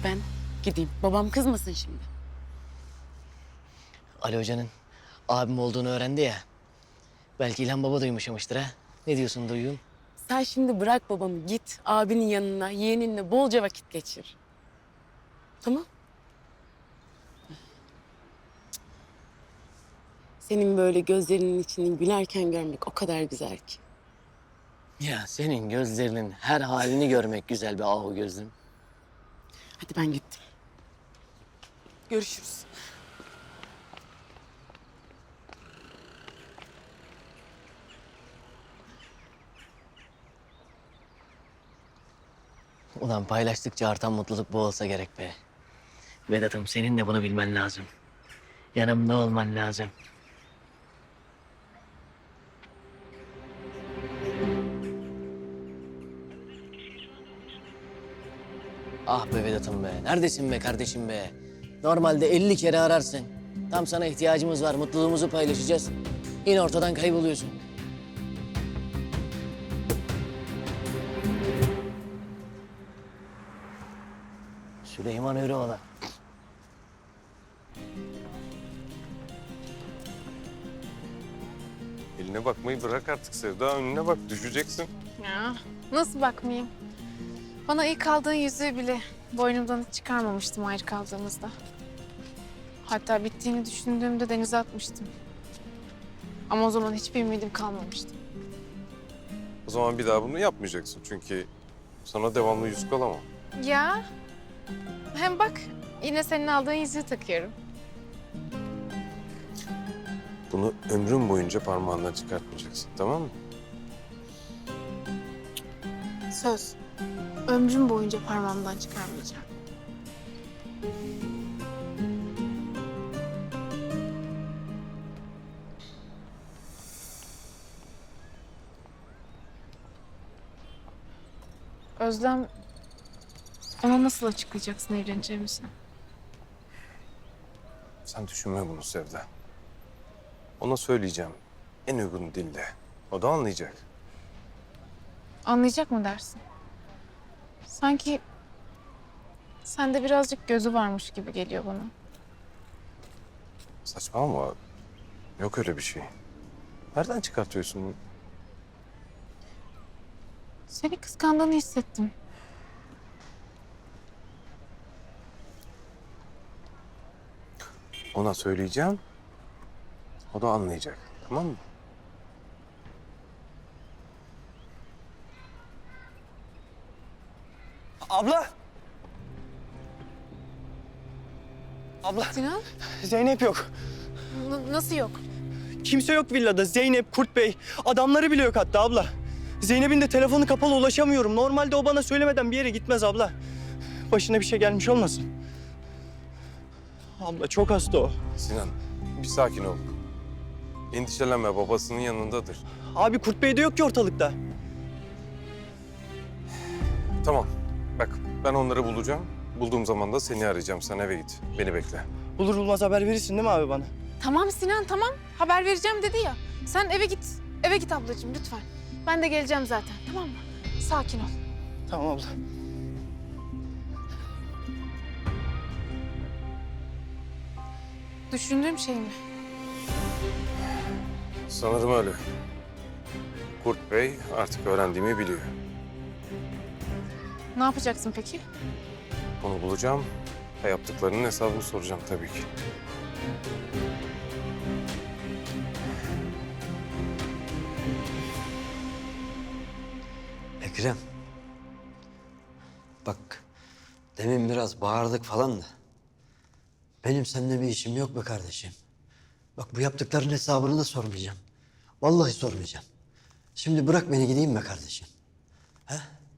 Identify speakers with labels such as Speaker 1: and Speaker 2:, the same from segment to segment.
Speaker 1: ben gideyim. Babam kızmasın şimdi.
Speaker 2: Ali Hoca'nın abim olduğunu öğrendi ya. Belki İlhan Baba da yumuşamıştır ha. Ne diyorsun Duygun?
Speaker 1: Sen şimdi bırak babamı, git abinin yanına, yeğeninle bolca vakit geçir. Tamam? Senin böyle gözlerinin içini gülerken görmek o kadar güzel ki.
Speaker 2: Ya senin gözlerinin her halini görmek güzel be ahu gözlüm.
Speaker 1: Hadi ben gittim. Görüşürüz.
Speaker 2: Ulan paylaştıkça artan mutluluk bu olsa gerek be. Vedat'ım senin de bunu bilmen lazım. Yanımda olman lazım. Ah be Vedat'ım be. Neredesin be kardeşim be? Normalde 50 kere ararsın. Tam sana ihtiyacımız var. Mutluluğumuzu paylaşacağız. Yine ortadan kayboluyorsun. Süleyman Öreoğlan.
Speaker 3: Eline bakmayı bırak artık Sevda. Önüne bak, düşeceksin.
Speaker 4: Ya nasıl bakmayayım? Bana ilk aldığın yüzüğü bile boynumdan hiç çıkarmamıştım ayrı kaldığımızda. Hatta bittiğini düşündüğümde denize atmıştım. Ama o zaman hiçbir ümidim kalmamıştı.
Speaker 3: O zaman bir daha bunu yapmayacaksın. Çünkü sana devamlı yüzük alamam.
Speaker 4: Ya hem bak yine senin aldığın yüzüğü takıyorum.
Speaker 3: Bunu ömrün boyunca parmağından çıkartmayacaksın, tamam mı?
Speaker 4: Söz. Ömrüm boyunca parmağımdan çıkarmayacağım. Özlem, ona nasıl açıklayacaksın evleneceğimizi?
Speaker 3: Sen düşünme bunu Sevda. Ona söyleyeceğim en uygun dille. O da anlayacak.
Speaker 4: Anlayacak mı dersin? Sanki sende birazcık gözü varmış gibi geliyor bana.
Speaker 3: Saçmalama. Yok öyle bir şey. Nereden çıkartıyorsun bunu?
Speaker 4: Seni kıskandığını hissettim.
Speaker 3: Ona söyleyeceğim. O da anlayacak. Tamam mı?
Speaker 5: Abla! Abla,
Speaker 4: Sinan,
Speaker 5: Zeynep yok.
Speaker 4: nasıl yok?
Speaker 5: Kimse yok villada. Zeynep, Kurt Bey. Adamları bile yok hatta abla. Zeynep'in de telefonu kapalı, ulaşamıyorum. Normalde o bana söylemeden bir yere gitmez abla. Başına bir şey gelmiş olmasın? Abla çok hasta o.
Speaker 3: Sinan, bir sakin ol. Endişelenme, babasının yanındadır.
Speaker 5: Abi Kurt Bey de yok ki ortalıkta.
Speaker 3: Tamam, bak ben onları bulacağım. Bulduğum zaman da seni arayacağım. Sen eve git, beni bekle.
Speaker 5: Bulur bulmaz haber verirsin değil mi abi bana?
Speaker 4: Tamam Sinan, tamam. Haber vereceğim dedi ya. Sen eve git. Eve git ablacığım lütfen. Ben de geleceğim zaten, tamam mı? Sakin ol.
Speaker 5: Tamam abla.
Speaker 4: Düşündüğüm şey mi?
Speaker 3: Sanırım öyle. Kurt Bey artık öğrendiğimi biliyor.
Speaker 4: Ne yapacaksın peki?
Speaker 3: Onu bulacağım ve yaptıklarının hesabını soracağım tabii ki.
Speaker 6: Ekrem. Bak, demin biraz bağırdık falan da. Benim seninle bir işim yok be kardeşim. Bak bu yaptıkların hesabını da sormayacağım. Vallahi sormayacağım. Şimdi bırak beni gideyim be kardeşim. He?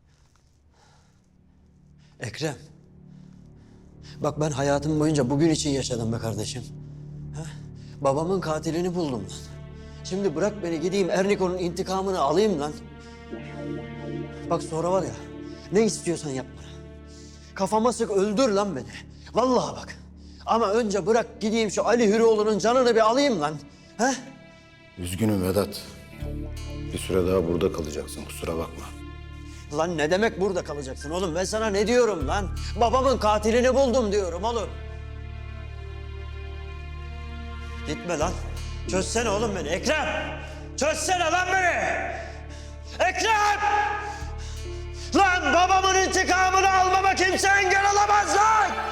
Speaker 6: Ekrem. Bak ben hayatım boyunca bugün için yaşadım be kardeşim. He? Babamın katilini buldum lan. Şimdi bırak beni gideyim Erniko'nun intikamını alayım lan. Bak sonra var ya, ne istiyorsan yap bana. Kafama sık öldür lan beni. Vallahi bak. Ama önce bırak gideyim şu Ali Hürioğlu'nun canını bir alayım lan. He?
Speaker 7: Üzgünüm Vedat. Bir süre daha burada kalacaksın, kusura bakma.
Speaker 6: Lan ne demek burada kalacaksın oğlum? Ben sana ne diyorum lan? Babamın katilini buldum diyorum oğlum. Gitme lan. Çözsene oğlum beni. Ekrem! Çözsene lan beni! Ekrem! Lan babamın intikamını almama kimse engel olamaz lan!